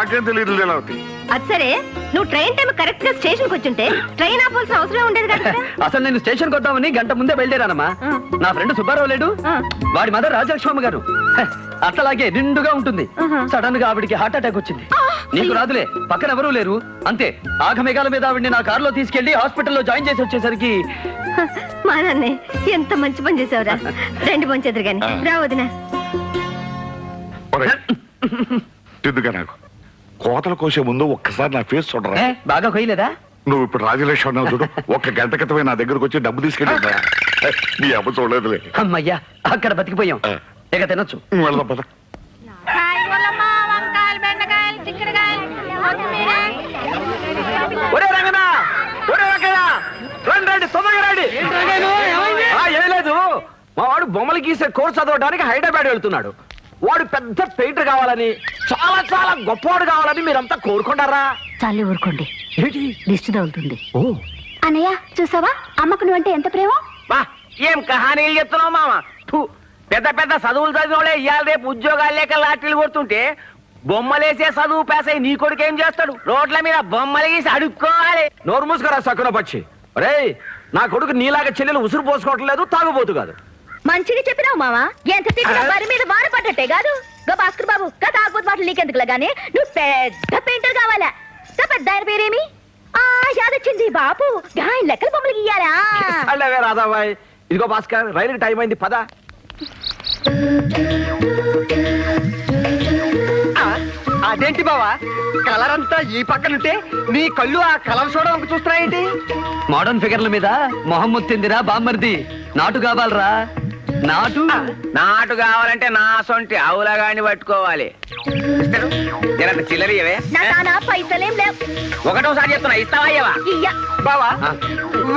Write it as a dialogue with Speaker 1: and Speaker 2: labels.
Speaker 1: నాకేం తెలియదు లీలావతి.
Speaker 2: అది సరే, నువ్వు ట్రైన్ టైం కరెక్ట్ గా స్టేషన్ కు వచ్చుంటే ట్రైన్ ఆపాల్సిన అవసరం ఉండేది కదా.
Speaker 3: అసలు నేను స్టేషన్ కొద్దామని గంట ముందే బయలుదేరానమ్మా. నా ఫ్రెండ్ సుబ్బారావు లేడు, వాడి మదర్ రాజలక్ష్మమ్మ గారు అట్లాగే నిండుగా ఉంటుంది. సడన్ గా ఆవిడికి హార్ట్ అటాక్ వచ్చింది. నీకు రాదులే, పక్కన ఎవరూ లేరు. అంతే ఆఘమేఘాల మీద ఆవిడ్ని నా కారులో తీసుకెళ్లి హాస్పిటల్లో జాయిన్ చేసి వచ్చేసరికి
Speaker 2: మా నాన్నే ఎంత మంచి పని చేసావురా. రెండు మంచి ఎదురు గాని రా వదినా.
Speaker 1: ఎందుగా నాకు కోతలు కోసే ముందు ఒక్కసారి నా ఫేస్ చూడరా.
Speaker 3: బాగా కొయ్యలేదా?
Speaker 1: నువ్వు ఇప్పుడు రాజలక్ష్మి అన్నావు చూడు, ఒక్క గంట క్రితమే నా దగ్గరకు వచ్చి డబ్బు తీసుకెళ్ళి నీ అమ్మ చూడలేదులే.
Speaker 3: అమ్మయ్యా, అక్కడ బతికిపోయాం. ఇక తినొచ్చు.
Speaker 1: వెళ్దాం పద.
Speaker 3: ఒరే రంగనా, ఒరే రంగనా, రండి రండి, తొందరగా రండి. ఏం లేదు, మా వాడు బొమ్మలు గీసే కోర్స్ చదవడానికి హైదరాబాద్ వెళ్తున్నాడు. వాడు పెద్ద పెయింటర్ కావాలని, చాలా చాలా గొప్పవాడు కావాలని మీరంతా కోరుకుంటారా?
Speaker 2: చాలే ఊరుకోండి,
Speaker 3: ఏంటి
Speaker 2: దిష్టి తగులుతుంది.
Speaker 3: ఓ
Speaker 2: అన్నయ్య చూసావా, అమ్మకు నువ్వంటే ఎంత ప్రేమ.
Speaker 4: ఏం కహానీలు చెప్తున్నావు మామ. పెద్ద పెద్ద చదువులు చదివినోళ్ళే ఇవాళ రేపు ఉద్యోగాలు లేక లాటరీలు కొడుతుంటే బొమ్మలేసే చదువు పేసై నీ కొడుకు ఏం చేస్తాడు? రోడ్ల మీద బొమ్మలు గీసి అడుక్కోవాలి.
Speaker 3: నోరు మూసుకురా సక్కున పక్షి. రే, నా కొడుకు నీలాగా చెల్లెలు ఉసురు పోసుకోవటం లేదు, తాగుబోతు కాదు.
Speaker 2: మంచిగా చెప్పినావు మావా. ఎంత తిట్టినా వారి మీద వాన పడ్డట్టే కాదు. గా భాస్కర్ బాబు కథ ఆకపోతే మాటలు నీకెందుకులా గానీ నువ్వు పెద్ద పెయింటర్ కావాలా. పెద్ద ఆయన పేరేమి? యాదొచ్చింది బాపు, ఆయన లెక్కల బొమ్మలు గీయాలా.
Speaker 3: అలాగే రాధాబాయ్. ఇదిగో భాస్కర్, రైలుకి టైం అయింది, పద. అదేంటి బావా, కలర్ అంతా ఈ పక్కనుంటే నీ కళ్ళు ఆ కలర్ చూడడానికి చూస్తున్నాయేంటి? మోడర్న్ ఫిగర్ల మీద మొహమ్మద్ తిందిరా బామ్మర్ది. నాటు కావాలరా, నాటు.
Speaker 4: నాటు కావాలంటే నా సొంటి ఆవులగాని పట్టుకోవాలి. చిల్లరియవే
Speaker 2: నా పైసలేం లేవు.
Speaker 4: ఒకటోసారి చెప్తున్నా, ఇస్తావా?
Speaker 2: ఇయ్య
Speaker 3: బావా